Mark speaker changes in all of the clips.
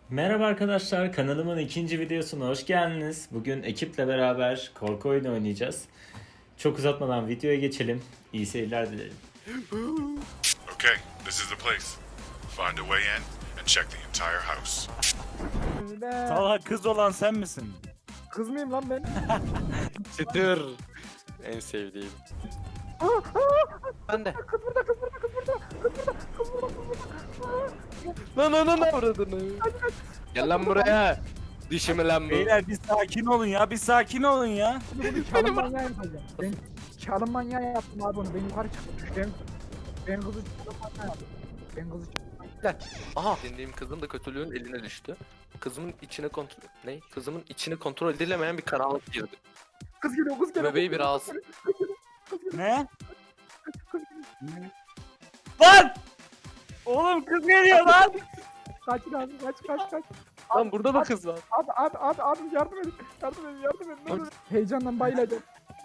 Speaker 1: Merhaba arkadaşlar, kanalımın ikinci videosuna hoş geldiniz. Bugün ekiple beraber korku oyunu oynayacağız. Çok uzatmadan videoya geçelim. İyi seyirler dilerim.
Speaker 2: Okay, this is the place. Find a way in and check the entire house.
Speaker 3: Talha kız olan sen misin?
Speaker 4: Kız mıyım lan ben?
Speaker 5: Çıtır. En sevdiğim. Ben de.
Speaker 4: Kız burada, kız burada, kız burada, kız burada, kız burada, kız burada.
Speaker 5: Lan avradını. Gel lan buraya. Dişimi lan bu.
Speaker 3: Beyler bir sakin olun ya, bir sakin olun ya.
Speaker 4: Bunu çalım manyağı yapacağım. Ben çalım manyağı yaptım abi onu. Ben yukarı çıktım. Ben kızı çalım manyağı yaptım. Ben kızı
Speaker 5: Gel. Aha. Dindiğim kızım da kötülüğün eline düştü. Kızımın içine kontrol... Ne? Kızımın içini kontrol edilemeyen bir karanlık girdi.
Speaker 4: Kız geliyor, kız geliyor.
Speaker 5: Bebeği bir alsın.
Speaker 3: Ne? Lan! Oğlum kız geliyor lan!
Speaker 4: Kaçın abi, kaç.
Speaker 5: Lan burada da kız var.
Speaker 4: Abi yardım edin. Yardım edin. Ne olur. Heyecandan bayılacağım.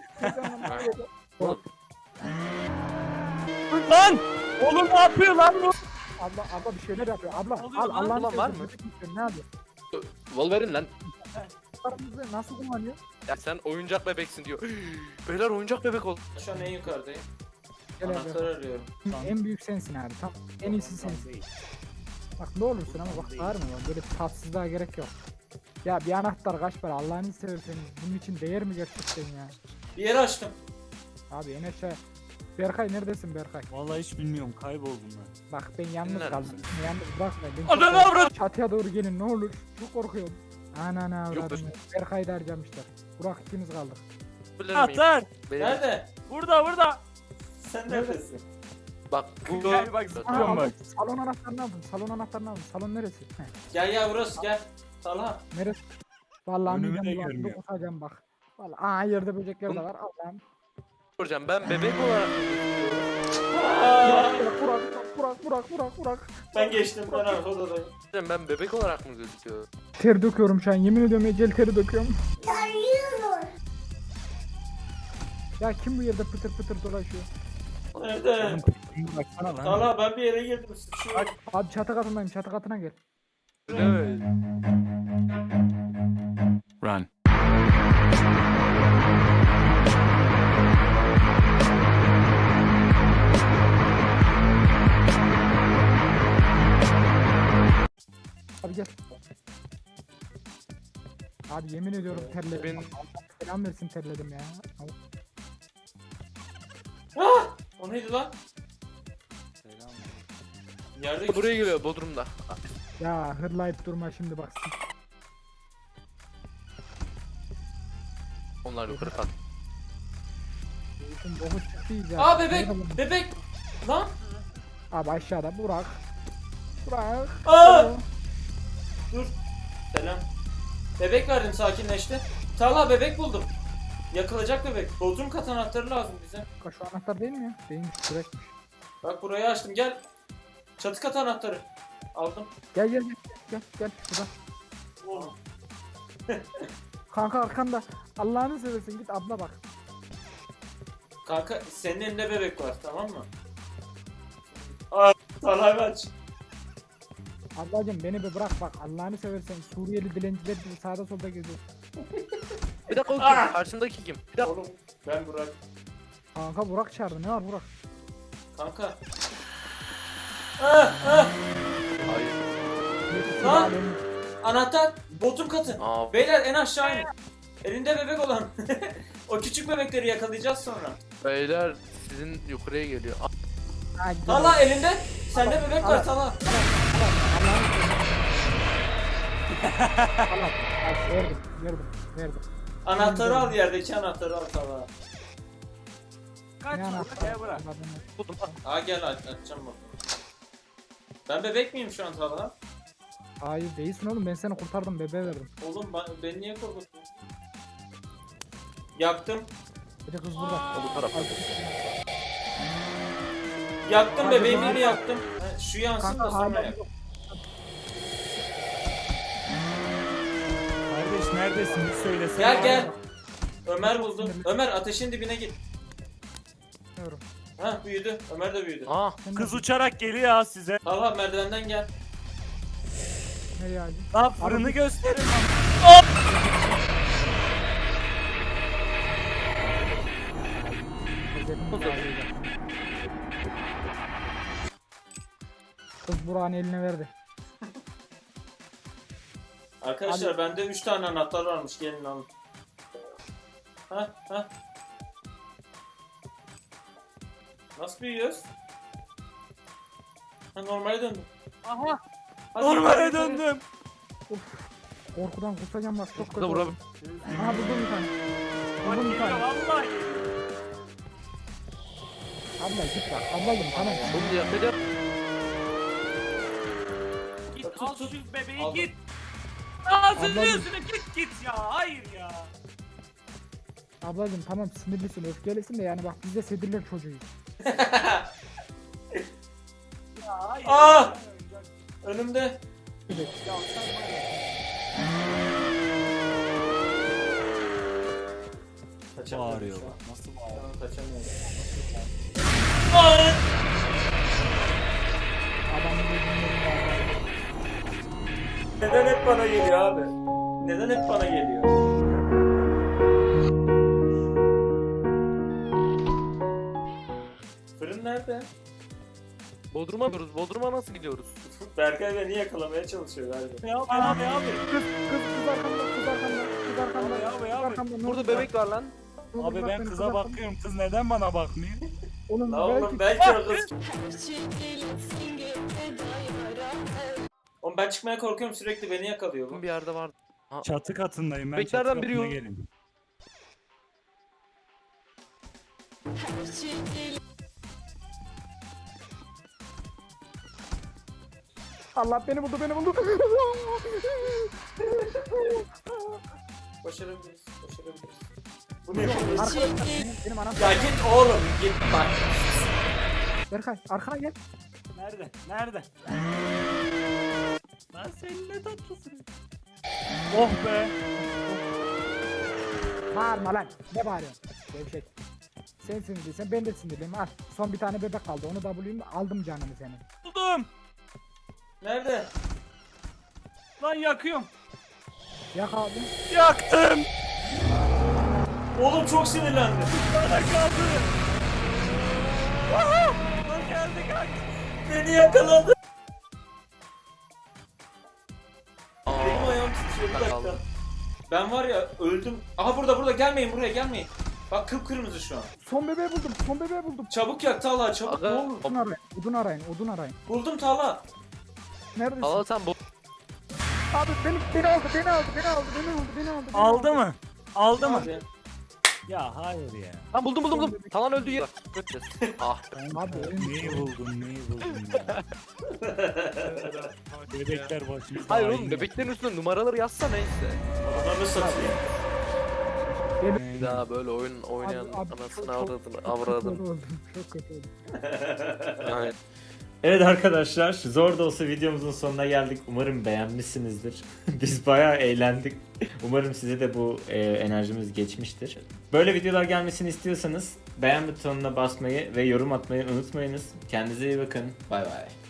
Speaker 3: Lan! Oğlum ne yapıyor lan bu?
Speaker 4: Abla bir şeyler yapıyor. Abla
Speaker 3: Oluyor
Speaker 4: al
Speaker 3: lan,
Speaker 4: Allah'ını
Speaker 5: ulan var
Speaker 4: seversen,
Speaker 5: mı?
Speaker 4: Ne yapıyor?
Speaker 5: Wolverine lan.
Speaker 4: Paramızı nasıl kullanıyor?
Speaker 5: Ya sen oyuncak bebeksin diyor. Beyler oyuncak bebek ol.
Speaker 1: Şu an en yukarıdayım.
Speaker 4: Gel abi.
Speaker 1: Anahtar arıyorum.
Speaker 4: En büyük sensin abi. Tam en iyisi sensin. Bak ne olursun ama bak var mı? Böyle tatsızlığa gerek yok. Ya bir anahtar kaç para Allah'ını seversen bunun için değer mi gerçekten ya?
Speaker 1: Bir yere açtım.
Speaker 4: Abi en aşağı. Berkay neredesin Berkay?
Speaker 3: Vallahi hiç bilmiyorum, kayboldum ben.
Speaker 4: Bak ben yalnız
Speaker 5: Neredesin?
Speaker 4: kaldım. Yalnız bırakma. Ben
Speaker 3: Ananı
Speaker 4: çok-
Speaker 3: avrat!
Speaker 4: Çatıya doğru gelin ne olur. Çok korkuyorum. Ananı
Speaker 5: Yok,
Speaker 4: avradım. Berkay'ı da harcamışlar. Burak ikimiz kaldık.
Speaker 5: Bilir miyim?
Speaker 3: Atar!
Speaker 5: Beyler,
Speaker 1: Nerede?
Speaker 3: Burada!
Speaker 1: Sen neredesin?
Speaker 5: bak bu...
Speaker 3: Gel bak, zıplıyorum bak.
Speaker 4: Salon anahtarını aldım. Salon anahtarını aldım. Salon neresi? Heh,
Speaker 1: Gel burası gel. Talha.
Speaker 4: neresi? Vallahi
Speaker 3: Önümü de
Speaker 4: midem bulandı,
Speaker 3: görmüyor.
Speaker 4: kusacağım bak. Vallahi yerde böcekler de var. Allah'ım.
Speaker 5: Soracağım ben bebek olarak...
Speaker 4: Burak.
Speaker 1: Ben geçtim, ben arka odadayım.
Speaker 5: Ben bebek olarak mı gözüküyorum?
Speaker 4: Ter döküyorum şu an. Yemin ediyorum ecel teri döküyorum. Ya kim bu yerde pıtır pıtır dolaşıyor?
Speaker 1: Nerede?
Speaker 3: Baksana lan.
Speaker 1: Talha ben bir yere girdim. Sıçıyorum.
Speaker 4: Abi çatı katındayım. Çatı katına gel.
Speaker 5: Evet.
Speaker 3: Run.
Speaker 4: Abi gel. Abi yemin ediyorum terledim. Selam versin terledim ya.
Speaker 1: Ah! O neydi lan? Yerde
Speaker 5: Buraya geliyor Bodrum'da.
Speaker 4: Ya hırlayıp durma şimdi bak.
Speaker 5: Onlar yukarı kat.
Speaker 4: Bütün boku çıktı iyice.
Speaker 1: Aa bebek! Bebek! Lan!
Speaker 4: Abi aşağıda Burak. Burak.
Speaker 1: Aa! Dur. Selam. Bebek verdim, sakinleşti. Talha bebek buldum. Yakılacak bebek. Bodrum kat anahtarı lazım bize.
Speaker 4: Şu anahtar değil mi ya? Değilmiş, sürekmiş.
Speaker 1: Bak burayı açtım, gel. Çatı kat anahtarı. Aldım.
Speaker 4: Gel. Şurada.
Speaker 1: Oğlum.
Speaker 4: Kanka arkanda. Allah'ını seversen git abla bak.
Speaker 1: Kanka senin elinde bebek var, tamam mı? Aa, Talha aç.
Speaker 4: Ablacım beni bir bırak bak. Allah'ını seversen Suriyeli dilenciler gibi sağda solda geziyor.
Speaker 5: Bir dakika o kim?
Speaker 1: Ah!
Speaker 5: Karşımdaki kim? Bir dakika.
Speaker 1: Oğlum ben Burak.
Speaker 4: Kanka Burak çağırdı. Ne var Burak?
Speaker 1: Kanka.
Speaker 5: Hayır.
Speaker 1: Lan! Anahtar. Bodrum katı.
Speaker 5: Aa,
Speaker 1: Beyler en aşağı inin. Elinde bebek olan. O küçük bebekleri yakalayacağız sonra.
Speaker 5: beyler sizin yukarıya geliyor.
Speaker 4: Ha, gidelim.
Speaker 1: Talha elinde. Sende bebek var Talha.
Speaker 4: Allah. Verdim.
Speaker 1: Anahtarı al, yerdeki anahtarı al Talha.
Speaker 3: Kaç
Speaker 4: Ne anahtar?
Speaker 3: gel bırak.
Speaker 5: Buldum.
Speaker 1: Aa gel açacağım bak. Ben bebek miyim şu an Talha?
Speaker 4: Hayır değilsin oğlum ben seni kurtardım bebeğe verdim.
Speaker 1: Oğlum beni niye korkuttun? Yaktım.
Speaker 4: Bir de kız burada.
Speaker 5: Bu tarafa.
Speaker 1: Yaktım
Speaker 4: Hadi
Speaker 1: bebeğimi
Speaker 4: lan.
Speaker 1: de yaktım. Ha, şu yansın da
Speaker 4: Kanka
Speaker 1: sonra
Speaker 4: hala
Speaker 1: yak.
Speaker 3: Kardeş neredesin? Bir söylesene.
Speaker 1: Gel. Ömer buldum. Ömer ateşin dibine git.
Speaker 4: Bilmiyorum.
Speaker 1: Ha büyüdü. Ömer de büyüdü.
Speaker 5: Aa,
Speaker 3: Kız uçarak geliyor ha size.
Speaker 1: Talha merdivenden gel.
Speaker 4: Nereye acil?
Speaker 3: Lan fırını gösterin lan.
Speaker 4: Kız Burak'ın eline verdi.
Speaker 1: Arkadaşlar bende 3 tane anahtar varmış, gelin alın. Ha. Nasıl büyüyoruz? Ha, normale döndüm.
Speaker 3: Aha.
Speaker 1: Hadi
Speaker 3: Normale
Speaker 1: yukarı.
Speaker 3: döndüm.
Speaker 4: Korkudan kusacağım bak çok kötü.
Speaker 5: Burada
Speaker 4: oldu. Aha buldum bir tane.
Speaker 3: Bak
Speaker 4: Buldum bir
Speaker 3: geliyor
Speaker 4: tane.
Speaker 3: vallahi.
Speaker 4: Abla git bak. Ablacım tamam.
Speaker 5: Bunu yapacağım.
Speaker 3: Git
Speaker 1: Tut,
Speaker 3: al
Speaker 1: tut.
Speaker 3: şu bebeği
Speaker 1: Aldım.
Speaker 3: git. Ağzının
Speaker 4: Ablacım.
Speaker 3: yüzüne git ya. Hayır ya.
Speaker 4: Ablacım tamam sinirlisin öfkelisin de yani bak biz de sedirler çocuğuyuz.
Speaker 3: Ya hayır.
Speaker 1: Aa! Önümde.
Speaker 4: Evet.
Speaker 3: Ya sen var ya.
Speaker 1: Kaçamıyorum
Speaker 3: Bağırıyor
Speaker 1: şu an.
Speaker 3: bak. Nasıl
Speaker 1: Şu
Speaker 3: bağırıyor?
Speaker 1: an kaçamıyorum.
Speaker 4: Adamın gözünün önünde.
Speaker 1: Neden hep bana geliyor abi? Neden hep bana geliyor? Fırın nerede?
Speaker 5: Bodrum'a gidiyoruz. Bodrum'a nasıl gidiyoruz?
Speaker 1: Berkay beni yakalamaya çalışıyor galiba.
Speaker 3: Ya abi.
Speaker 4: Kız arkamda kız arkamda kız arkamda.
Speaker 3: Abi,
Speaker 4: Kız
Speaker 3: abi.
Speaker 4: arkamda. Ne
Speaker 5: Burada
Speaker 4: oldu?
Speaker 5: bebek var lan.
Speaker 4: Ne oldu?
Speaker 3: Abi
Speaker 4: Bırak
Speaker 3: ben
Speaker 4: beni,
Speaker 3: kıza
Speaker 4: kız arkamda.
Speaker 3: bakıyorum. Kız neden bana bakmıyor?
Speaker 4: Oğlum
Speaker 1: La oğlum
Speaker 4: belki
Speaker 1: belki o kız.
Speaker 6: Çekilsin
Speaker 1: Oğlum ben çıkmaya korkuyorum, sürekli beni yakalıyor bu.
Speaker 5: Bir yerde var.
Speaker 3: Çatı katındayım ben.
Speaker 5: Beklerden
Speaker 3: çatı
Speaker 5: biri
Speaker 3: katına
Speaker 5: yok.
Speaker 3: gelin.
Speaker 4: Allah beni buldu beni buldu.
Speaker 1: Başarabiliriz, başarabiliriz. Bu ne yapıyorsun?
Speaker 4: Arkadaşlar benim anam.
Speaker 1: Ya git oğlum, git bak.
Speaker 4: Berkay arkana gel.
Speaker 3: Nerede? Nerede? Lan sen ne tatlısın. Oh be.
Speaker 4: Bağırma lan. Ne bağırıyorsun? Gevşek. Sen sinirliysen ben de sinirliyim. Al. Son bir tane bebek kaldı. Onu da bulayım. Aldım canını senin.
Speaker 3: Buldum.
Speaker 1: Nerede?
Speaker 3: Lan yakıyorum.
Speaker 4: Yak abi.
Speaker 3: Yaktım.
Speaker 1: Oğlum çok sinirlendim.
Speaker 3: Bana kaldı. Aha! Lan geldi kaç.
Speaker 1: Beni yakaladı. Benim ayağım titriyor, bir dakika.
Speaker 5: Kaldım.
Speaker 1: Ben var ya öldüm. Aha burada gelmeyin, buraya gelmeyin. Bak kıpkırmızı şu an.
Speaker 4: Son bebeği buldum. Son bebeği buldum.
Speaker 1: Çabuk yak Talha, çabuk
Speaker 5: Aga.
Speaker 1: ne olur.
Speaker 4: Odun arayın. Odun arayın. Odun arayın.
Speaker 1: Buldum Talha.
Speaker 4: Neredesin?
Speaker 5: Al sen bu.
Speaker 4: Abi beni aldı. Beni aldı. Beni aldı. Beni aldı. Beni aldı. Beni
Speaker 3: Aldı mı? Aldı mı?
Speaker 1: Abi.
Speaker 3: Ya hayır ya.
Speaker 5: Lan buldum. Talan öldü ya. Ah be.
Speaker 4: Abi
Speaker 3: Neyi buldun ya. Bebekler başımızda.
Speaker 5: Hayır oğlum
Speaker 3: hain.
Speaker 5: bebeklerin üstüne numaraları yazsa neyse.
Speaker 1: Ananı satayım.
Speaker 5: Bir daha böyle oyun oynayan anasını avradını.
Speaker 4: oldum. Çok kötü oldum.
Speaker 5: Yani
Speaker 1: Evet arkadaşlar, zor da olsa videomuzun sonuna geldik. Umarım beğenmişsinizdir. Biz bayağı eğlendik. Umarım size de bu enerjimiz geçmiştir. Böyle videolar gelmesini istiyorsanız beğen butonuna basmayı ve yorum atmayı unutmayınız. Kendinize iyi bakın. Bay bay.